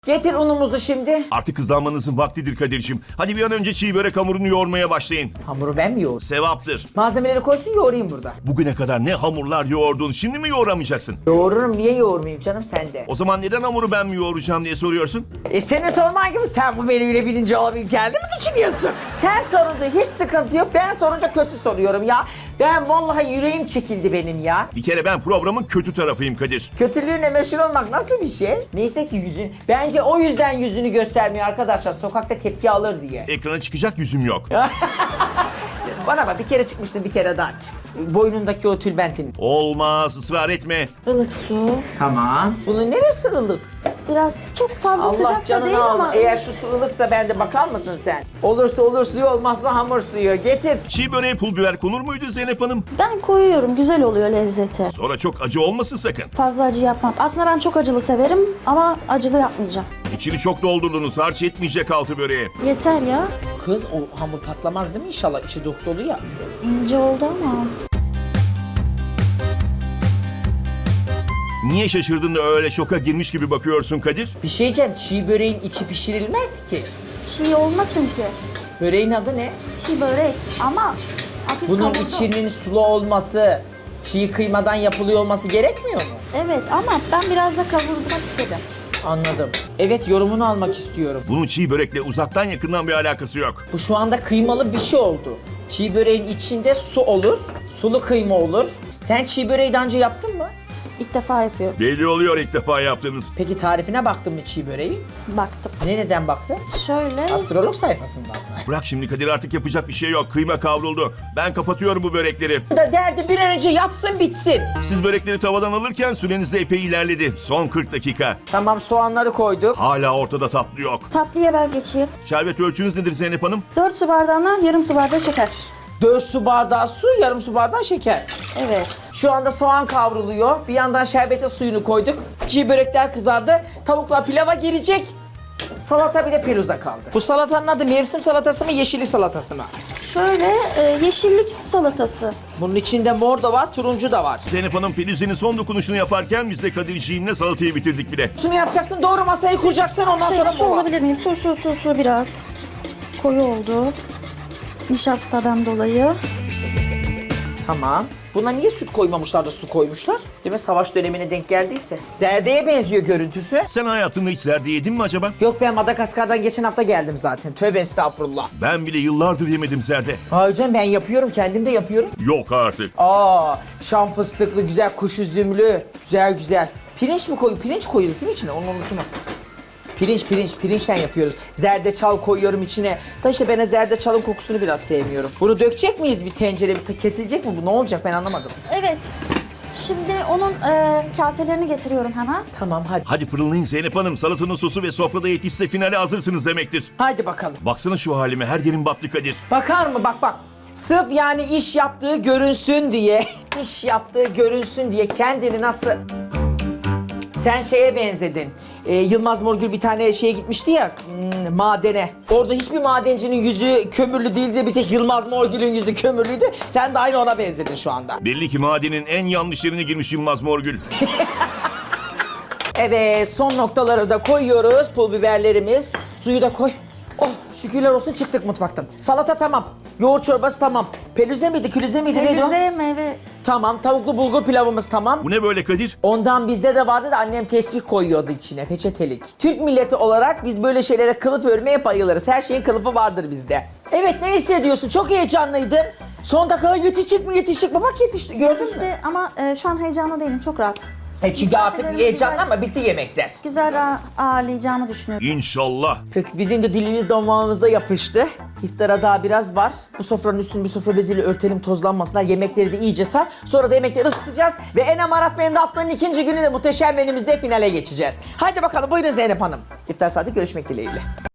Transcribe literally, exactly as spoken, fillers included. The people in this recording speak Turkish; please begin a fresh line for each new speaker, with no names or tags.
Getir unumuzu şimdi.
Artık hızlanmanızın vaktidir Kadir'cim. Hadi bir an önce çiğ börek hamurunu yoğurmaya başlayın.
Hamuru ben mi yoğurayım?
Sevaptır.
Malzemeleri koysun yoğurayım burada.
Bugüne kadar ne hamurlar yoğurdun, şimdi mi yoğuramayacaksın?
Yoğururum, niye yoğurmayayım canım sende?
O zaman neden hamuru ben mi yoğuracağım diye soruyorsun?
E senin sorman gibi sen bu menüyle birinci olabileceğini mi düşünüyorsun? Sen sorunca hiç sıkıntı yok, ben sorunca kötü soruyorum ya. Ben vallahi yüreğim çekildi benim ya.
Bir kere ben programın kötü tarafıyım Kadir.
Kötülüğüne meşhur olmak nasıl bir şey? Neyse ki yüzün, bence o yüzden yüzünü göstermiyor arkadaşlar, sokakta tepki alır diye.
Ekrana çıkacak yüzüm yok.
Bana bak, bir kere çıkmıştın, bir kere daha çık. Boynundaki o tülbentin.
Olmaz, ısrar etme.
Ilık su.
Tamam. Bunun neresi ılık?
Biraz çok fazla
Allah
sıcak da
canını
değil
alma.
ama.
Eğer şu su ılıksa bende bakar mısın sen? Olursa olur suyu, olmazsa hamur suyu. Getir.
Çiğ böreğe pul biber konur muydu Zeynep Hanım?
Ben koyuyorum, güzel oluyor lezzeti.
Sonra çok acı olmasın sakın.
Fazla acı yapmam. Aslında ben çok acılı severim ama acılı yapmayacağım.
İçini çok doldurdunuz, harç etmeyecek altı böreğe.
Yeter ya.
Kız o hamur patlamaz değil mi inşallah? İçi dop dolu ya.
İnce oldu ama.
Niye şaşırdın da öyle şoka girmiş gibi bakıyorsun Kadir?
Bir şey diyeceğim, çiğ böreğin içi pişirilmez ki.
Çiğ olmasın ki.
Böreğin adı ne?
Çiğ börek ama hafif
Bunun
kavurdu.
içinin sulu olması, çiğ kıymadan yapılıyor olması gerekmiyor mu?
Evet ama ben biraz da kavurmak istedim.
Anladım. Evet, yorumunu almak istiyorum.
Bunun çiğ börekle uzaktan yakından bir alakası yok.
Bu şu anda kıymalı bir şey oldu. Çiğ böreğin içinde su olur, sulu kıyma olur. Sen çiğ böreği daha önce yaptın mı?
İlk defa yapıyorum.
Belli oluyor ilk defa yaptığınız.
Peki tarifine baktın mı çiğ böreği?
Baktım.
Nereden baktın?
Şöyle.
Astrolog sayfasından mı?
Bırak şimdi Kadir, artık yapacak bir şey yok. Kıyma kavruldu. Ben kapatıyorum bu börekleri.
Da derdi bir an önce yapsın bitsin.
Siz börekleri tavadan alırken süreniz de epey ilerledi. Son kırk dakika.
Tamam, soğanları koyduk.
Hala ortada tatlı yok.
Tatlıya ben geçeyim.
Şerbet ölçünüz nedir Zeynep Hanım?
dört su bardağına yarım su bardağı şeker.
dört su bardağı su, yarım su bardağı şeker.
Evet.
Şu anda soğan kavruluyor. Bir yandan şerbete suyunu koyduk. Çiğ börekler kızardı. Tavuklar pilava girecek. Salata bir de peruza kaldı. Bu salatanın adı mevsim salatası mı, yeşillik salatası mı?
Şöyle e, yeşillik salatası.
Bunun içinde mor da var, turuncu da var.
Zeynep Hanım Peluzzi'nin son dokunuşunu yaparken biz de Kadir'ciğimle salatayı bitirdik bile.
Şunu yapacaksın, doğru masayı kuracaksın, ondan
Şey,
sonra
su
mola.
alabilir miyim? Su, su, su, su biraz. Koyu oldu. Nişastadan dolayı.
Tamam. Buna niye süt koymamışlar da su koymuşlar? Değil mi? Savaş dönemine denk geldiyse. Zerde'ye benziyor görüntüsü.
Sen hayatında hiç zerde yedin mi acaba?
Yok, ben Madagaskar'dan geçen hafta geldim zaten. Tövbe estağfurullah.
Ben bile yıllardır yemedim zerde.
Hayır canım, ben yapıyorum, kendim de yapıyorum.
Yok artık.
Aa, şam fıstıklı, güzel kuş üzümlü. Güzel güzel. Pirinç mi koy? Pirinç koyduk değil mi içine? Onu unutma. Pirinç, pirinç, pirinçten yapıyoruz. Zerdeçal koyuyorum içine. Da işte ben zerdeçalın kokusunu biraz sevmiyorum. Bunu dökecek miyiz bir tencere? Bir kesilecek mi bu? Ne olacak, ben anlamadım.
Evet. Şimdi onun e, kaselerini getiriyorum hemen.
Tamam, hadi.
Hadi pırıllayın Zeynep Hanım. Salatanın sosu ve sofrada yetişse finale hazırsınız demektir.
Hadi bakalım.
Baksana şu halime, her yerim battı Kadir.
Bakar mı? Bak bak. Sırf yani iş yaptığı görünsün diye, iş yaptığı görünsün diye kendini nasıl... Sen şeye benzedin. Ee, Yılmaz Morgül bir tane şeye gitmişti ya, hmm, madene. Orada hiçbir madencinin yüzü kömürlü değildi, bir tek Yılmaz Morgül'ün yüzü kömürlüydü. Sen de aynı ona benzedin şu anda.
Belli ki madenin en yanlış yerine girmiş Yılmaz Morgül.
Evet, son noktaları da koyuyoruz. Pul biberlerimiz. Suyu da koy. Oh, şükürler olsun, çıktık mutfaktan. Salata tamam. Yoğurt çorbası tamam. Pelüze miydi, külüze miydi, neydi o?
Elize meyve.
Tamam, tavuklu bulgur pilavımız tamam.
Bu ne böyle Kadir?
Ondan bizde de vardı da annem tesbih koyuyordu içine, peçetelik. Türk milleti olarak biz böyle şeylere kılıf örmeye bayılırız. Her şeyin kılıfı vardır bizde. Evet, ne hissediyorsun? Çok heyecanlıydın. Son dakika yetişecek mi yetişecek mi? Bak yetişti, gördün mü?
İşte ama e, şu an heyecanlı değilim, çok rahat.
E çünkü artık
Misafirlerimiz
heyecanlı
güzel-
ama bitti yemekler.
Güzel ağ- ağırlayacağımı düşünüyorum.
İnşallah.
Peki bizim de dilimiz damağımıza yapıştı. İftara daha biraz var. Bu sofranın üstünü bir sofra beziyle örtelim, tozlanmasınlar. Yemekleri de iyice sar. Sonra da yemekleri ısıtacağız. Ve en amarat benim de haftanın ikinci günü de muhteşem menümüzde finale geçeceğiz. Haydi bakalım, buyurun Zeynep Hanım. İftar saati görüşmek dileğiyle.